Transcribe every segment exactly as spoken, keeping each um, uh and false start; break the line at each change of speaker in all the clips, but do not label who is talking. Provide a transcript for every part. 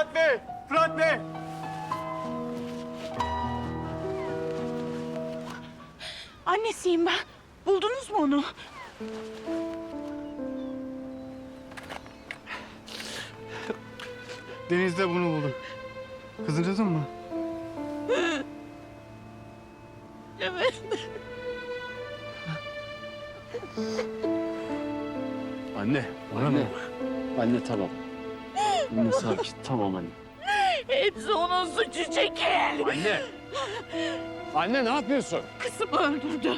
Fırat Bey! Fırat Bey!
Annesiyim ben. Buldunuz mu onu?
Denizde bunu buldum. Kızınızın mı?
Evet.
Anne, bana
Anne.
bak.
Anne tamam. Anne sakin. Tamam anne.
Hepsi onun suçu Çekil.
Anne! Anne ne yapıyorsun?
Kızımı öldürdü.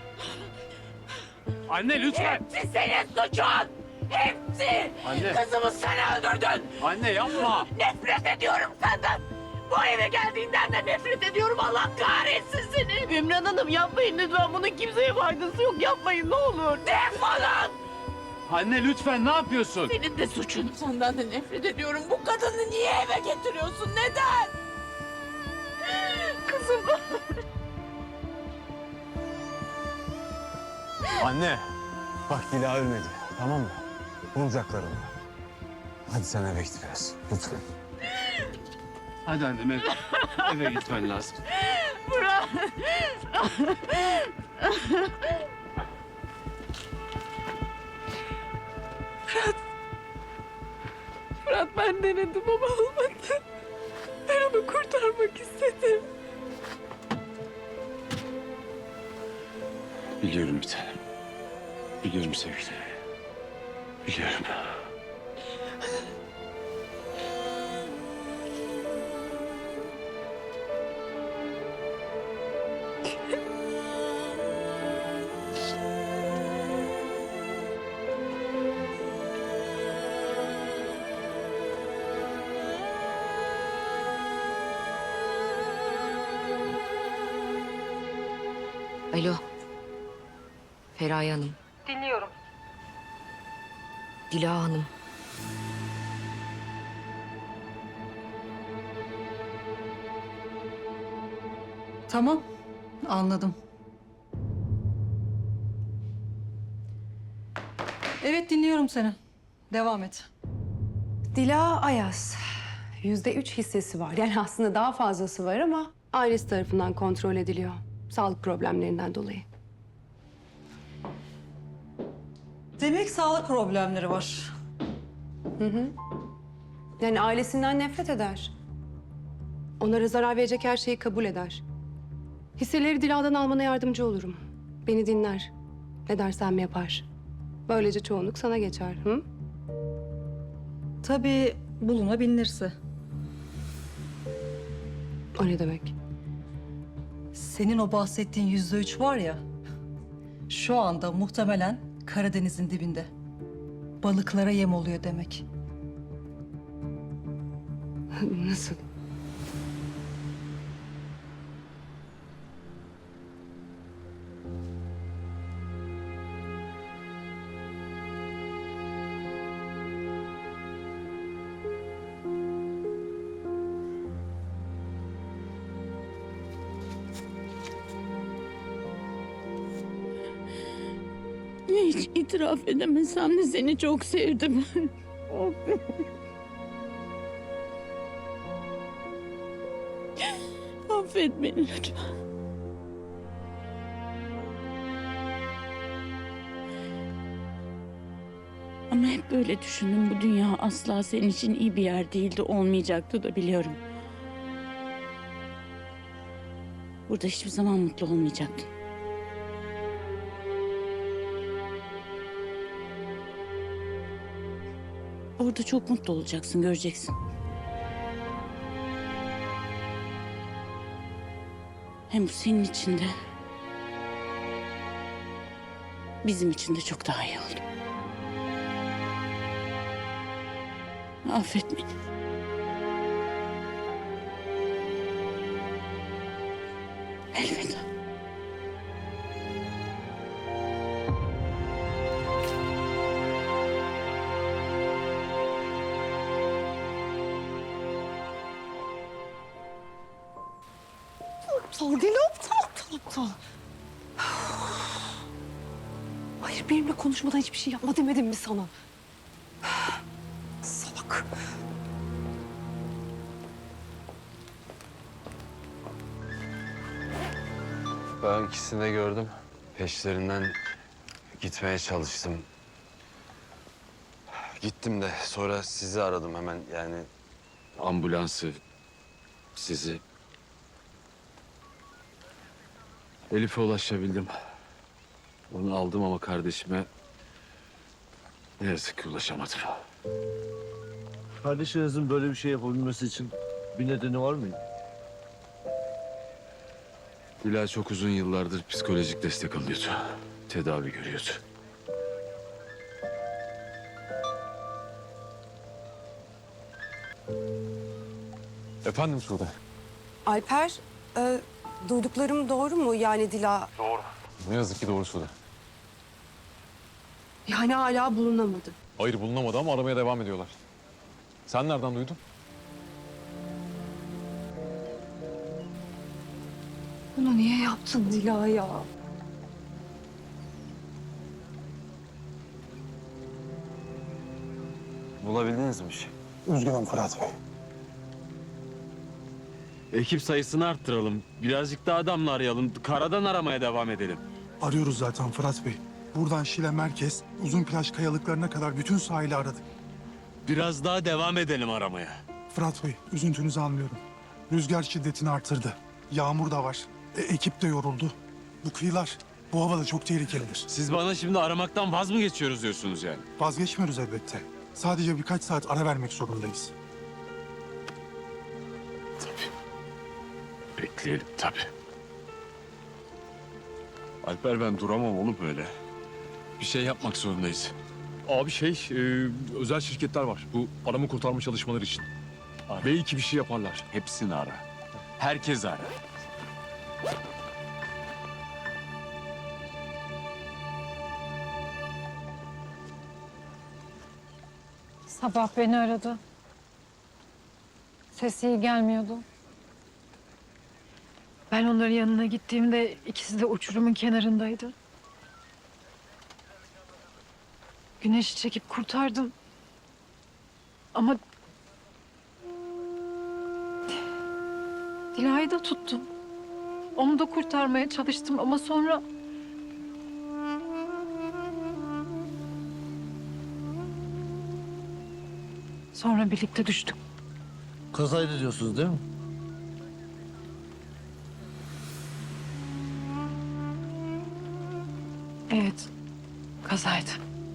Anne lütfen!
Hepsi senin suçun. Hepsi.
Anne.
Kızımı sen öldürdün.
Anne yapma!
Nefret ediyorum senden. Bu eve geldiğinden de nefret ediyorum. Allah kahretsin seni. Ümran Hanım yapmayın lütfen. Bunun kimseye faydası yok. Yapmayın ne olur. Defolun.
Anne lütfen ne yapıyorsun?
Senin de suçun. Senden de nefret ediyorum. Bu kadını niye eve getiriyorsun? Neden? Kızım.
Anne, bak Dila ölmedi, tamam mı? Bulacaklar onu. Hadi sen eve git biraz, lütfen.
Hadi annem eve, eve gitmen lazım.
Bırak. Fırat. Fırat ben denedim ama olmadı. Ben onu kurtarmak istedim.
Biliyorum bir tanem. Biliyorum sevgilim. Biliyorum.
Alo. Feraye Hanım.
Dinliyorum.
Dila Hanım.
Tamam, anladım. Evet, dinliyorum seni. Devam et.
Dila Ayaz. Yüzde üç hissesi var. Yani aslında daha fazlası var ama ailesi tarafından kontrol ediliyor. Sağlık problemlerinden dolayı.
Demek sağlık problemleri var.
Yani ailesinden nefret eder. Onlara zarar verecek her şeyi kabul eder. Hisseleri Dila'dan almana yardımcı olurum. Beni dinler. Ne dersem yapar. Böylece çoğunluk sana geçer. Hı?
Tabii bulunabilirse.
O ne demek?
Senin o bahsettiğin yüzde üç var ya... ...şu anda muhtemelen Karadeniz'in dibinde. Balıklara yem oluyor demek.
Nasıl?
Hiç itiraf edemesem de seni çok sevdim. Affet beni lütfen. Ama hep böyle düşündüm. Bu dünya asla senin için iyi bir yer değildi. Olmayacaktı da biliyorum. Burada hiçbir zaman mutlu olmayacaktın. Orada çok mutlu olacaksın, göreceksin. Hem bu senin için de... bizim için de çok daha iyi oldu. Affet beni. Elveda.
Aptal deli aptal aptal aptal. Hayır benimle konuşmadan hiçbir şey yapma demedim mi sana? Salak.
Ben ikisini de gördüm. Peşlerinden gitmeye çalıştım. Gittim de sonra sizi aradım hemen yani ambulansı, sizi. Elif'e ulaşabildim. Onu aldım ama kardeşime ne yazık ki ulaşamadım.
Kardeşinizin böyle bir şey yapabilmesi için bir nedeni var mı?
Dila çok uzun yıllardır psikolojik destek alıyordu. Tedavi görüyordu. Efendim Sude?
Alper, e, duyduklarım doğru mu? Yani Dila...
Ne yazık ki doğru Sude.
Yani hala bulunamadı.
Hayır bulunamadı ama aramaya devam ediyorlar. Sen nereden duydun?
Bunu niye yaptın Dila ya?
Bulabildiniz mi bir şey?
Üzgünüm Fırat Bey.
Ekip sayısını arttıralım. Birazcık daha adamla arayalım. Karadan aramaya devam edelim.
Arıyoruz zaten Fırat Bey. Buradan Şile merkez, uzun plaj kayalıklarına kadar bütün sahili aradık.
Biraz daha devam edelim aramaya.
Fırat Bey, üzüntünüzü anlıyorum. Rüzgar şiddetini artırdı. Yağmur da var. E, ekip de yoruldu. Bu kıyılar bu havada çok tehlikelidir.
Siz bana şimdi aramaktan vaz mı geçiyoruz diyorsunuz yani?
Vazgeçmiyoruz elbette. Sadece birkaç saat ara vermek zorundayız.
Bekleyelim tabii. Alper ben duramam oğlum böyle. Bir şey yapmak zorundayız.
Abi şey, e, özel şirketler var. Bu arama kurtarma çalışmaları için. Belki bir şey yaparlar.
Hepsini ara. Herkes ara.
Sabah beni aradı. Sesi iyi gelmiyordu. Ben onların yanına gittiğimde ikisi de uçurumun kenarındaydı. Güneşi çekip kurtardım. Ama Dila'yı da tuttum. Onu da kurtarmaya çalıştım ama sonra... Sonra birlikte düştük.
Kazaydı diyorsunuz değil mi?
Evet, kazaydı.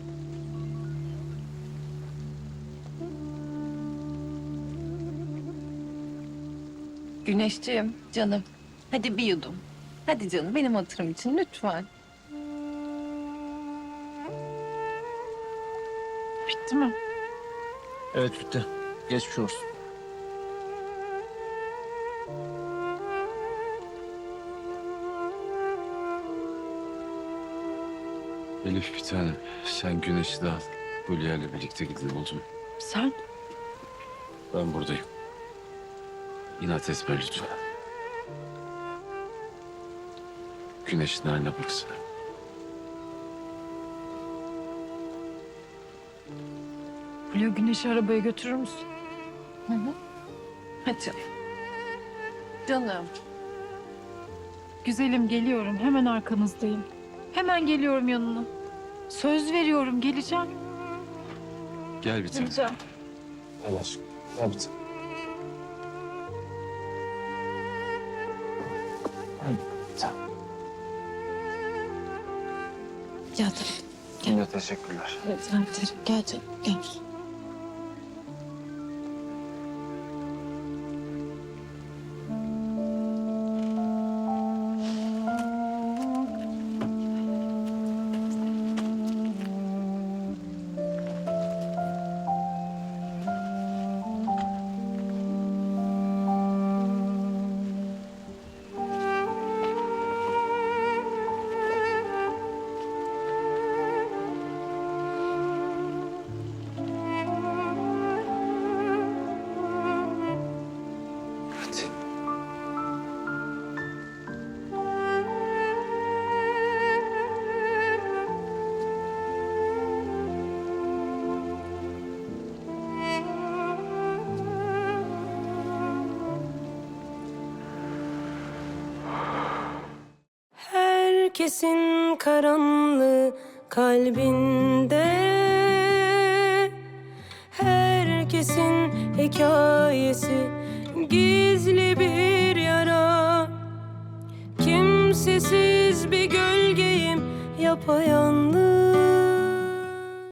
Güneşciğim, canım. Hadi bir yudum. Hadi canım, benim hatırım için lütfen.
Bitti mi?
Evet bitti. Geçmiş olsun.
Elif bir tane. Sen Güneş'i de al. Hülya ile birlikte gidelim oldu mu?
Sen?
Ben buradayım. İnat etme lütfen. Güneş'in haline baksana.
Fulya Güneş'i arabaya götürür müsün?
Hadi canım. Canım.
Güzelim geliyorum. Hemen arkanızdayım. Hemen geliyorum yanına. Söz veriyorum geleceğim.
Gel bir tane.
Geleceğim.
Gel aşkım. Gel bir tane.
Gel tabii.
Yine teşekkürler.
Gel canım. Gel canım. Gel.
Herkesin karanlığı kalbinde, herkesin hikayesi gizli bir yara. Kimsesiz bir gölgeyim yapayalnız.